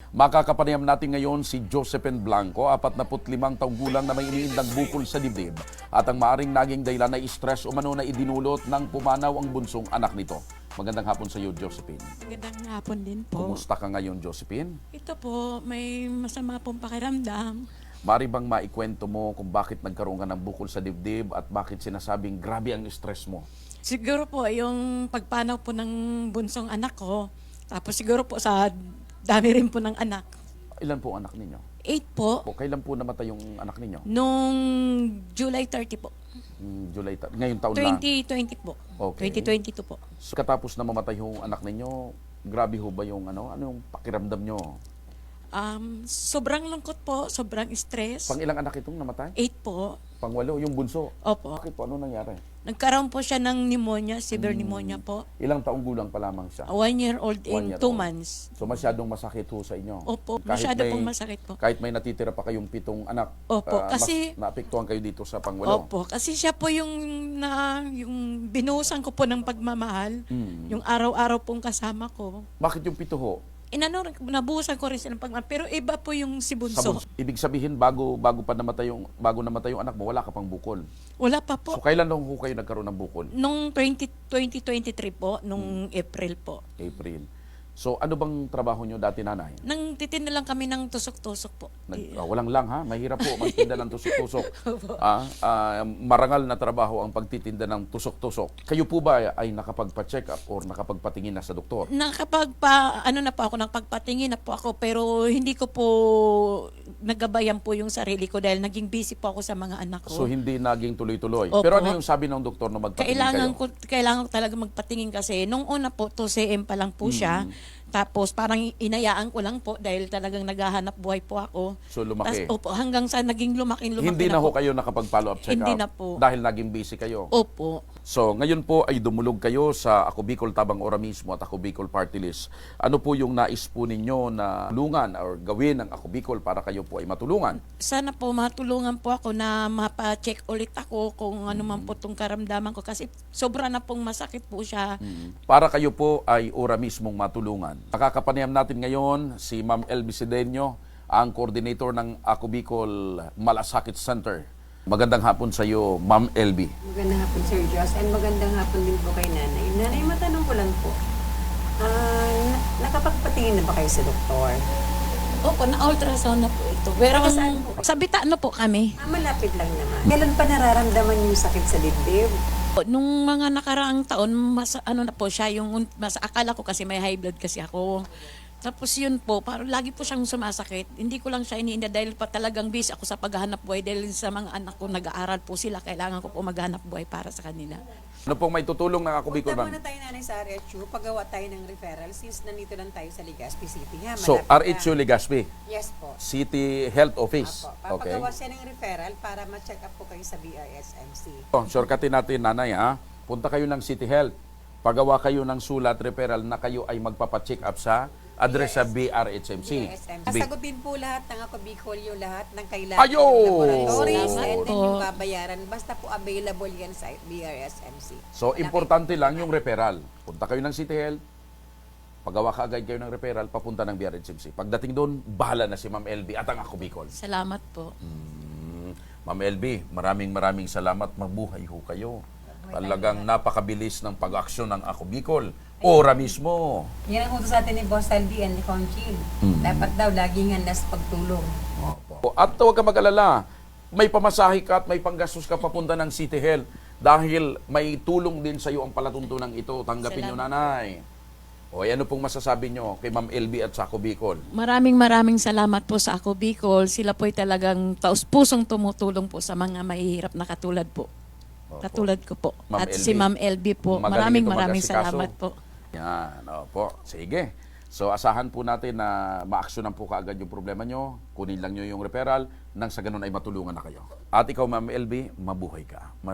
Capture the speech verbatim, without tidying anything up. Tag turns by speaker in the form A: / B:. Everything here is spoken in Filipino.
A: Makakapanayam natin ngayon si Josephine Blanco, apat na limang taong gulang na may iniindang bukol sa dibdib at ang maaring naging dahilan ay stress o mano na idinulot ng pumanaw ang bunsong anak nito. Magandang hapon sa iyo, Josephine.
B: Magandang hapon din po.
A: Kumusta ka ngayon, Josephine?
B: Ito po, may masama pong pakiramdam.
A: Mari bang maikwento mo kung bakit nagkaroon ka ng bukol sa dibdib at bakit sinasabing grabe ang stress mo?
B: Siguro po yung pagpanaw po ng bunsong anak ko, tapos siguro po sa dami rin po ng anak.
A: Ilan po ang anak ninyo?
B: Eight po,
A: O kailan po namatay yung anak ninyo?
B: nung July thirty po.
A: Hmm, July, ta- ngayong taon na.
B: twenty twenty po.
A: Okay.
B: twenty twenty-two po.
A: So, katapos na mamatay yung anak ninyo, grabe ho ba yung ano, ano yung pakiramdam nyo?
B: Um, sobrang lungkot po, sobrang stress.
A: Pang ilang anak itong namatay?
B: Eight po.
A: Pangwalo, yung bunso.
B: Opo.
A: Bakit po? Ano nangyari?
B: Nagkaroon po siya ng pneumonia, severe
A: Hmm.
B: pneumonia po.
A: Ilang taong gulang pa lamang siya?
B: One year old
A: One
B: in
A: year
B: two
A: old.
B: months.
A: So masyadong masakit ho sa inyo?
B: Opo,
A: Kahit
B: masyado
A: may-
B: pong masakit po.
A: Kahit may natitira pa kayong pitong anak,
B: Opo,
A: ah,
B: kasi-
A: mas naapektuhan kayo dito sa pangwalo?
B: Opo, kasi siya po yung na yung binuhusan ko po ng pagmamahal,
A: Hmm.
B: yung araw-araw pong kasama ko.
A: Bakit yung pito ho?
B: Inano, nabuhusan ko rin siya ng pagmamahal, pero iba po yung si
A: Sa
B: Bunso.
A: bunso. Ibig sabihin, bago bago pa namatay yung, bago namatay yung anak mo, wala ka pang bukol.
B: Wala pa po.
A: So kailan lang ho kayo nagkaroon ng bukol?
B: Nung twenty twenty-three po, nung
A: Hmm.
B: April po.
A: April. So ano bang trabaho nyo dati, nanay?
B: Nang titinda lang kami ng tusok-tusok po.
A: Nag,
B: I-
A: ah, walang lang ha, mahirap po magtinda ng tusok-tusok. ah, ah, marangal na trabaho ang pagtitinda ng tusok-tusok. Kayo po ba ay nakapagpa-check up or nakapagpatingin na sa doktor?
B: Nakapagpa, ano na po ako, nakapagpatingin na po ako, pero hindi ko po nagabayan po yung sarili ko dahil naging busy po ako sa mga anak ko.
A: So hindi naging tuloy-tuloy.
B: Opo.
A: Pero ano yung sabi ng doktor na magpatingin
B: Kailangan
A: kayo?
B: ko kailangan ko talaga magpatingin kasi nung una po two C M pa lang po siya.
A: Mm.
B: Tapos parang inayaan ko lang po dahil talagang naghahanap buhay po ako.
A: So lumaki.
B: Tas, opo, hanggang sa naging lumaki lumaki
A: Hindi na ho
B: po.
A: kayo nakapag-follow up check
B: Hindi
A: up
B: na po.
A: dahil naging busy kayo.
B: Opo.
A: So, ngayon po ay dumulog kayo sa Ako Bicol Tabang Ora mismo at Ako Bicol Party List. Ano po yung nais po ninyo na tulungan or gawin ng Ako Bicol para kayo po ay matulungan?
B: Sana po matulungan po ako na mapa-check ulit ako kung ano man po tong karamdaman ko kasi sobra na pong masakit po siya.
A: Para kayo po ay ora mismong matulungan. Nakakapanayam natin ngayon si Ma'am Elby Sedeño, ang coordinator ng Ako Bicol Malasakit Center. Magandang hapon sa iyo, Ma'am Elby.
C: Magandang hapon, Sir Joss. And magandang hapon din po kay Nanay. Nanay, matanong ko lang po. Ah, na- nakapagpatingin na ba kayo sa doktor?
B: Opo, na-ultrasound na po ito. Pero
C: Saan po?
B: sa Bitano po kami.
C: Ah, malapit lang naman. Kailan pa nararamdaman yung sakit sa dibdib?
B: Nung mga nakaraang taon, mas ano na po siya, yung mas akala ko kasi may high blood kasi ako. Tapos yun po, parang lagi po siyang sumasakit. Hindi ko lang siya iniinda dahil pa talagang busy ako sa paghahanap buhay dahil sa mga anak ko nag-aaral po sila. Kailangan ko po maghanap buhay para sa kanila.
A: Ano pong may tutulong ng Ako Bicol,
C: Punta
A: ma'am?
C: muna tayo, Nanay, sa R H U. Paggawa tayo ng referral since nandito lang tayo sa Legazpi City. Ha?
A: So,
C: Malapit
A: R H U
C: lang.
A: Legazpi,
C: Yes po.
A: City Health Office.
C: Apo.
A: Okay.
C: Papagawa siya ng referral para ma-check up po kayo sa B R S M C.
A: Oh, shortcutin natin, nanay, ha? Punta kayo ng City Health. Pagawa kayo ng sulat referral na kayo ay magpapacheck up sa address sa B R H M C.
C: B R S M C.
A: B-
C: Sasagutin po lahat ng Ako Bicol yung lahat ng kailangan
A: Ayun!
C: ng laboratories
A: Salamat
C: and then
B: po.
C: yung babayaran. Basta po available yan sa B R S M C.
A: So,
C: Malaki
A: importante
C: po
A: lang
C: yan.
A: yung referral. Punta kayo ng City Health, pagawa ka agad kayo ng referral, papunta ng B R H M C. Pagdating doon, bahala na si Ma'am Elby at ang Ako Bicol.
B: Salamat po.
A: Mm, Ma'am Elby, maraming maraming salamat. Mabuhay ho kayo. Talagang napakabilis ng pag-aksyon ng Ako Bicol. Ora mismo.
C: Yan ang utos sa atin ni Boss Aldi and ni Conchil.
A: Mm.
C: Dapat daw laging handa sa pagtulong.
A: Opo. At huwag ka mag-alala, may pamasahe ka at may panggastos ka papunta ng City Health dahil may tulong din sa iyo ang palatuntunan ito. Tanggapin nyo,
B: Salamat.
A: nanay. O, ano pong masasabi nyo kay Ma'am Elby at sa Ako Bicol?
B: Maraming maraming salamat po sa Ako Bicol. Sila po'y talagang taus-pusong tumutulong po sa mga mahihirap na katulad po.
A: Opo.
B: Katulad ko po.
A: Ma'am
B: At si
A: Elby,
B: Ma'am Elby po.
A: magaling
B: Maraming
A: ito
B: maraming
A: mag-asikaso.
B: salamat po.
A: Yan, opo. Sige. So, asahan po natin na ma-actionan po kaagad yung problema nyo. Kunin lang nyo yung referral nang sa ganun ay matulungan na kayo. At ikaw, Ma'am Elby, mabuhay ka.